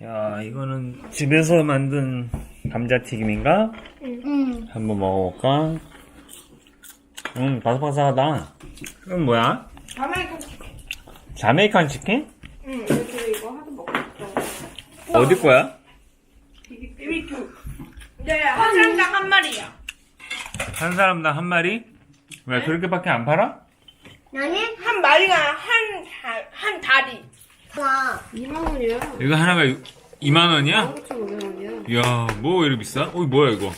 야, 이거는 집에서 만든 감자튀김인가? 응. 한번 먹어볼까? 바삭바삭하다. 이건 뭐야? 자메이칸 치킨? 응, 그래서 이거 하도 먹고 싶어. 어디 거야? BBQ. 네, 한 사람당 한 마리야. 한 사람당 한 마리? 왜 그렇게밖에 안 팔아? 나는 한 마리가 한 다리. 와. 2만원이야. 이거 하나가 2만 원이야? 5,500원이야. 이야, 뭐 이렇게 비싸? 뭐야 이거?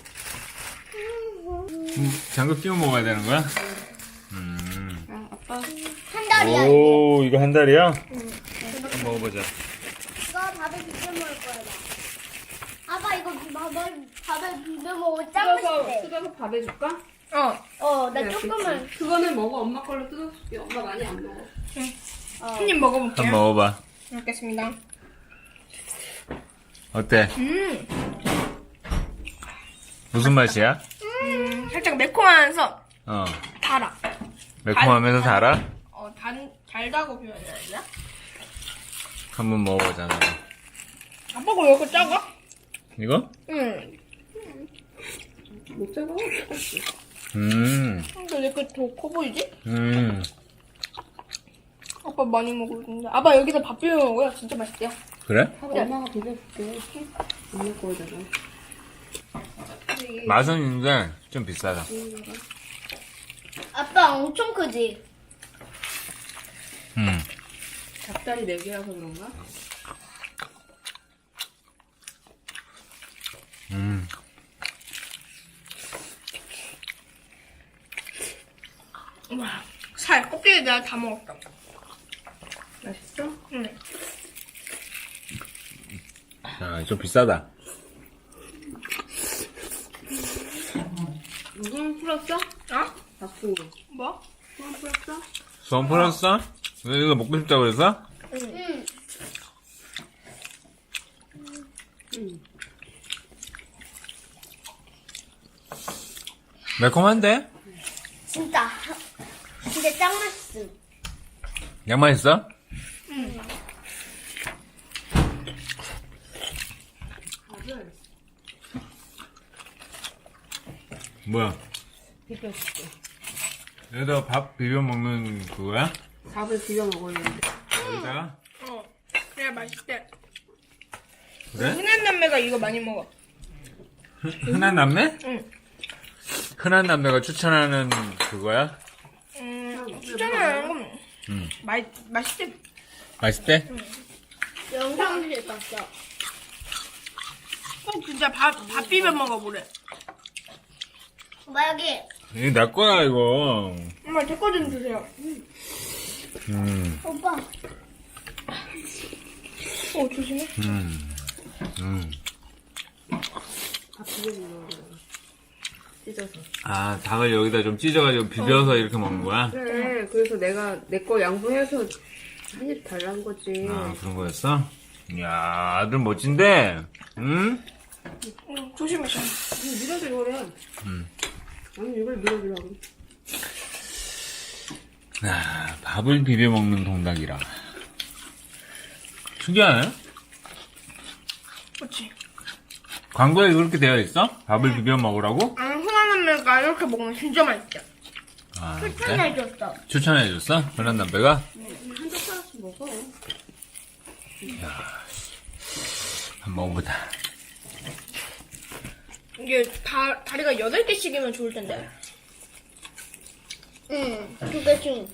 장갑 끼워 먹어야 되는 거야? 아, 아빠. 한 달이야. 오, 이거 한 달이야? 한번 먹어보자. 이거 밥에 비벼 먹을 거야. 나. 아빠 이거 밥에 비벼 먹으면 짱 맛있대. 뜯어서 밥 해줄까? 나 그래, 조금만. 그치. 그거는 먹어. 엄마 걸로 뜯어줄게. 엄마 많이 안 먹어. 한 입 먹어볼게요. 한번 먹어봐. 먹겠습니다. 어때? 무슨 맛이야? 살짝 매콤하면서 어, 달아. 매콤하면서 달아? 달다고 표현해야 되나? 한번 먹어보자. 나도. 아빠가 왜 이렇게 작아? 이거? 응. 못 작아? 똑같지. 근데 왜 이렇게 더 커 보이지? 아빠 많이 먹었는데. 아빠 여기서 밥 비벼 먹어요. 진짜 맛있대요. 그래? 엄마가 비벼줄게. 엄마 거잖아. 맛은 있는데 좀 비싸다. 아빠 엄청 크지? 닭다리 4개라서 그런가? 와, 살, 껍데기 내가 다 먹었다. 맛있어? 응. 아, 좀 비싸다. 이건 풀었어? 어? 바쁘고. 뭐? 이건 풀었어? 수원 풀었어? 왜 이거 먹고 싶다고 그랬어? 응. 매콤한데? 진짜 짱 맛있음. 양 맛있어? 뭐야? 비벼줄게. 여기다 밥 비벼 먹는 그거야? 밥을 비벼 먹으려는데. 여기다가? 그래, 맛있대. 그래? 흔한 남매가 이거 많이 먹어. 흔한 남매? 응. 흔한 남매가 추천하는 그거야? 추천하는 건 맛있대. 맛있대? 영상실 봤어. 꼭 진짜 밥 비벼 먹어보래. 엄마 여기. 이게 내 거야 이거. 엄마 제 거 좀 주세요. 오빠. 조심해. 밥 비벼 먹어. 찢어서. 아, 닭을 여기다 좀 찢어가지고 비벼서 이렇게 먹는 거야? 그래, 그래서 내가 내 거 양보해서 한 입 달란 거지. 아, 그런 거였어? 이야, 아들 멋진데? 응? 조심해. 밀어주려 그래. 아니, 이걸 밀어주려고. 아, 밥을 비벼 먹는 동닭이라. 특이하네? 그렇지. 광고에 그렇게 되어 있어? 밥을 비벼 먹으라고? 흔한 남매가 이렇게 먹으면 진짜 맛있대. 아, 그래? 추천해줬어. 추천해줬어? 흔한 남배가? 한 젓가락씩 먹어. 한번 먹어보자. 이게 다리가 8개씩이면 좋을 텐데. 응. 2개씩.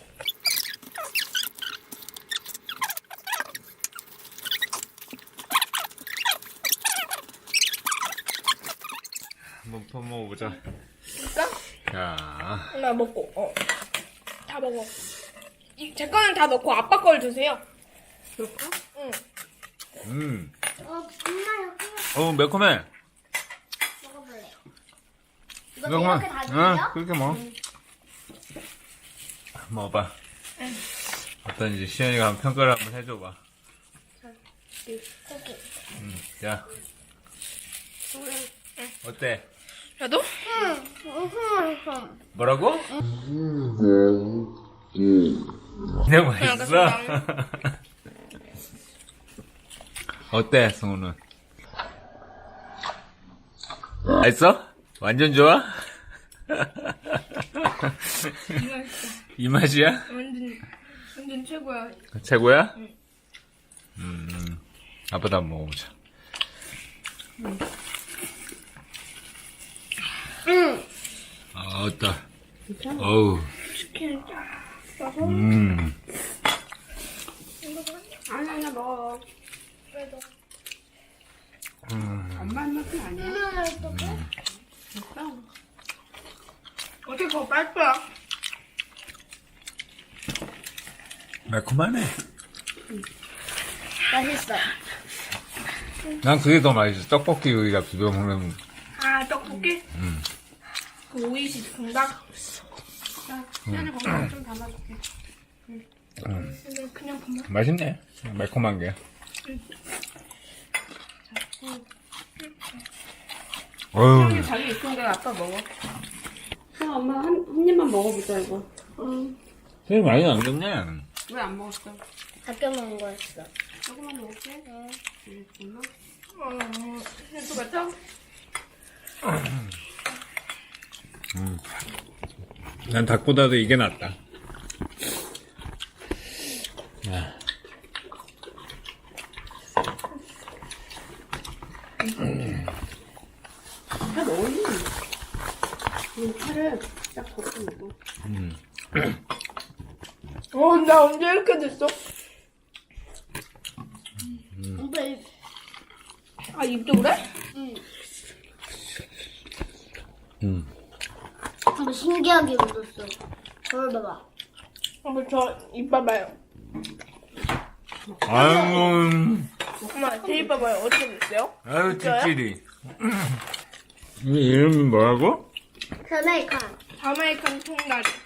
한번 퍼 먹어보자. 진짜? 자, 나 먹고, 다 먹어. 제 거는 다 넣고 아빠 걸 주세요. 그럴까? 응. 엄마 여기 매콤해. 먹어볼래. 이거 이렇게 다 드세요? 그렇게 먹어. 먹어봐. 어떤지 시연이가 한번 평가를 한번 해줘봐. 고기. 자, 어때? 나도? 뭐라고? 내가 맛있어? 알겠습니다. 어때, 성우는? 맛있어? 완전 좋아? 이 맛이야? 완전 최고야. 최고야? 아빠도 한번 먹어보자. 아, 어따. 어우. 치킨을 쫙 써서. 아니, 먹어. 그래도. 엄마 맛은 아니야. 어떻게 그거 빨 거야? 매콤하네. 맛있어. 난 그게 더 맛있어. 떡볶이 여기다 비벼 먹는. 아, 떡볶이? 그 오이시 정답? 시안이 거기다 좀 담아줄게. 그냥 그만. 맛있네. 매콤한 게. 어휴. 자기 있으니까 아빠 먹어. 엄마 한 입만 먹어보자 이거. 되게 많이 남겼네. 왜 안 먹었어? 아껴 먹은 거였어. 조금만 먹을게. 엄마. 또 맞죠? 난 닭보다도 이게 낫다. 야. 다 넣었니? 파를 딱 걷어 먹어. 나 언제 이렇게 됐어? 오빠 입. 아, 입도 그래? 아빠 신기하게 웃었어. 저를 봐봐. 한번 저입 봐봐요. 아이고. 엄마, 제 입 봐봐요. 어떻게 됐어요? 아유, 찌질이. 이 이름이 뭐라고? 자메이칸. 자메이칸 통다리.